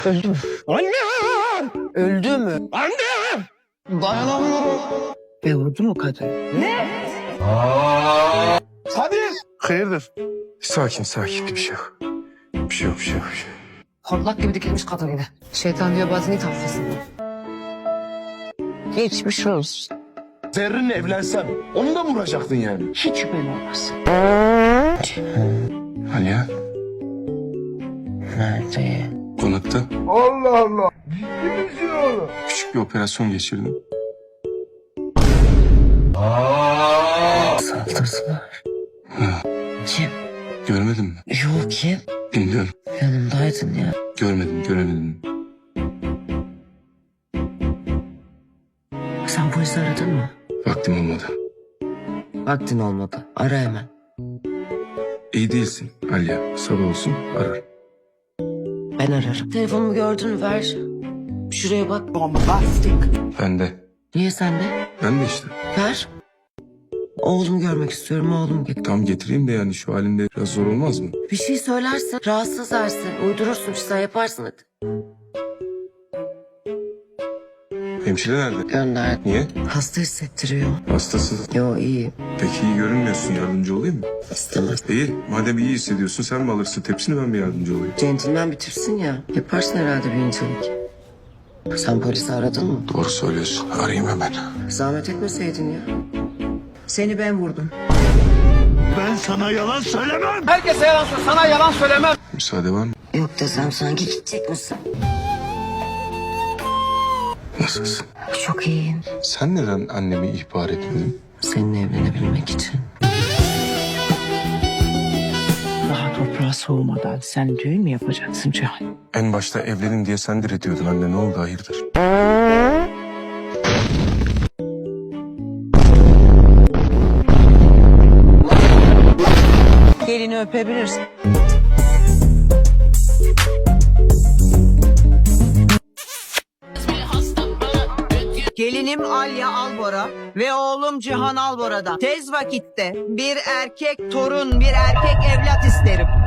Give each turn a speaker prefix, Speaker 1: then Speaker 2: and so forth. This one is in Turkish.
Speaker 1: Öldü mü?
Speaker 2: Anne!
Speaker 1: Öldü mü?
Speaker 2: Anne!
Speaker 1: Dayanamıyorum. Ve vurdu mu kadın?
Speaker 2: Hadi!
Speaker 3: Hayırdır? Sakin sakin bir şey yok. Bir şey yok bir şey yok.
Speaker 1: Hortlak gibi dikilmiş kadın yine. Şeytan diyor batını taflasın. Geçmiş olsun.
Speaker 2: Zerrin'le evlensem onu da mı vuracaktın yani?
Speaker 1: Hiç şüphen olmasın.
Speaker 3: Aliye
Speaker 1: Nerede?
Speaker 3: konakta
Speaker 2: Allah Allah! Ciddi misin oğlum?
Speaker 3: küçük bir operasyon geçirdim.
Speaker 1: Saldırdılar.
Speaker 3: Ha,
Speaker 1: Kim?
Speaker 3: görmedin mi?
Speaker 1: Yok kim?
Speaker 3: Bilmiyorum.
Speaker 1: Yanımdaydın ya.
Speaker 3: Göremedim.
Speaker 1: Sen polisi aradın mı?
Speaker 3: Vaktim olmadı.
Speaker 1: Vaktin olmadı. Ara hemen.
Speaker 3: İyi değilsin Aliye. Sabah olsun arar.
Speaker 1: Ben ararım. Telefonumu gördün mü? Ver. Şuraya bak.
Speaker 3: Ben de.
Speaker 1: Niye sende?
Speaker 3: Ben de işte.
Speaker 1: Ver. Oğlumu görmek istiyorum. Oğlumu getir.
Speaker 3: Tam getireyim de yani şu halinde biraz zor olmaz mı?
Speaker 1: Bir şey söylersin. Rahatsız edersin. Uydurursun. Sen yaparsın hadi.
Speaker 3: Hemşire nerede?
Speaker 1: Gönder.
Speaker 3: Niye?
Speaker 1: Hasta hissettiriyor.
Speaker 3: Hastasın.
Speaker 1: Yo iyi.
Speaker 3: Peki iyi görünmüyorsun. Yardımcı olayım mı?
Speaker 1: İstemez.
Speaker 3: Değil. Madem iyi hissediyorsun sen mi alırsın tepsini ben mi yardımcı olayım?
Speaker 1: Centilmen bitirsin ya. Yaparsın herhalde bir incelik. Sen polisi aradın mı?
Speaker 3: Doğru söylüyorsun. Arayayım hemen.
Speaker 1: Zahmet etmeseydin ya. Seni ben vurdum.
Speaker 2: Ben sana yalan söylemem!
Speaker 3: Müsaade var mı?
Speaker 1: Yok desem sanki gidecek misin?
Speaker 3: Nasılsın?
Speaker 1: Çok iyiyim.
Speaker 3: Sen neden annemi ihbar etmedin?
Speaker 1: Seninle evlenebilmek için.
Speaker 4: Daha toprağa soğumadan sen düğün mü yapacaksın Cihan?
Speaker 3: En başta evlenin diye sen diretiyordun anne ne oldu hayırdır?
Speaker 4: Gelini öpebilirsin. Gelinim Alya Albora ve oğlum Cihan Albora'dan tez vakitte bir erkek torun, bir erkek evlat isterim.